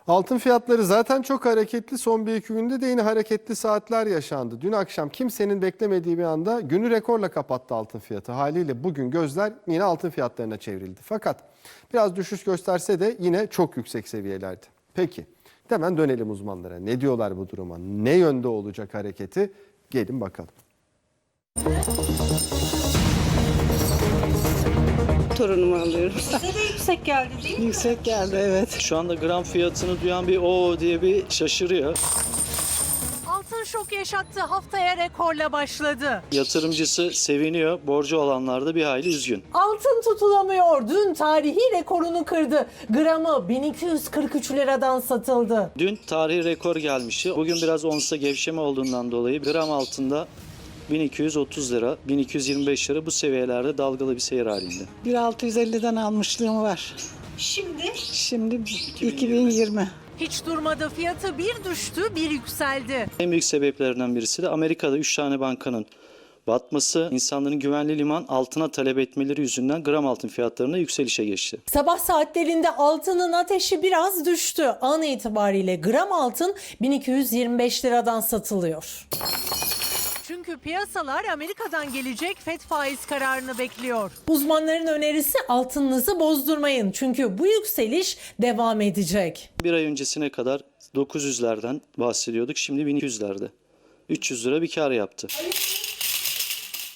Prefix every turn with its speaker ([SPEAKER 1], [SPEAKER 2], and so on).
[SPEAKER 1] Altın fiyatları zaten çok hareketli. Son bir iki günde de yine hareketli saatler yaşandı. Dün akşam kimsenin beklemediği bir anda günü rekorla kapattı altın fiyatı. Haliyle bugün gözler yine altın fiyatlarına çevrildi. Fakat biraz düşüş gösterse de yine çok yüksek seviyelerde. Peki hemen dönelim uzmanlara. Ne diyorlar bu duruma? Ne yönde olacak hareketi? Gelin bakalım.
[SPEAKER 2] Torunumu alıyorum.
[SPEAKER 3] Size de yüksek geldi değil mi?
[SPEAKER 2] Yüksek geldi, evet.
[SPEAKER 4] Şu anda gram fiyatını duyan bir o diye bir şaşırıyor.
[SPEAKER 3] Altın şok yaşattı. Haftaya rekorla başladı.
[SPEAKER 4] Yatırımcısı seviniyor, borcu olanlar da bir hayli üzgün.
[SPEAKER 3] Altın tutulamıyor. Dün tarihi rekorunu kırdı. Gramı 1243 liradan satıldı.
[SPEAKER 4] Dün tarihi rekor gelmişti. Bugün biraz onsta gevşeme olduğundan dolayı gram altında 1230 lira, 1225 lira bu seviyelerde dalgalı bir seyir halinde.
[SPEAKER 2] 1650'den almışlığım var. Şimdi 2020.
[SPEAKER 3] Hiç durmadı. Fiyatı bir düştü, bir yükseldi.
[SPEAKER 4] En büyük sebeplerinden birisi de Amerika'da 3 tane bankanın batması, insanların güvenli liman altına talep etmeleri yüzünden gram altın fiyatlarında yükselişe geçti.
[SPEAKER 3] Sabah saatlerinde altının ateşi biraz düştü. An itibariyle gram altın 1225 liradan satılıyor. Çünkü piyasalar Amerika'dan gelecek FED faiz kararını bekliyor. Uzmanların önerisi altınınızı bozdurmayın. Çünkü bu yükseliş devam edecek.
[SPEAKER 4] Bir ay öncesine kadar 900'lerden bahsediyorduk. Şimdi 1200'lerde. 300 lira bir kar yaptı.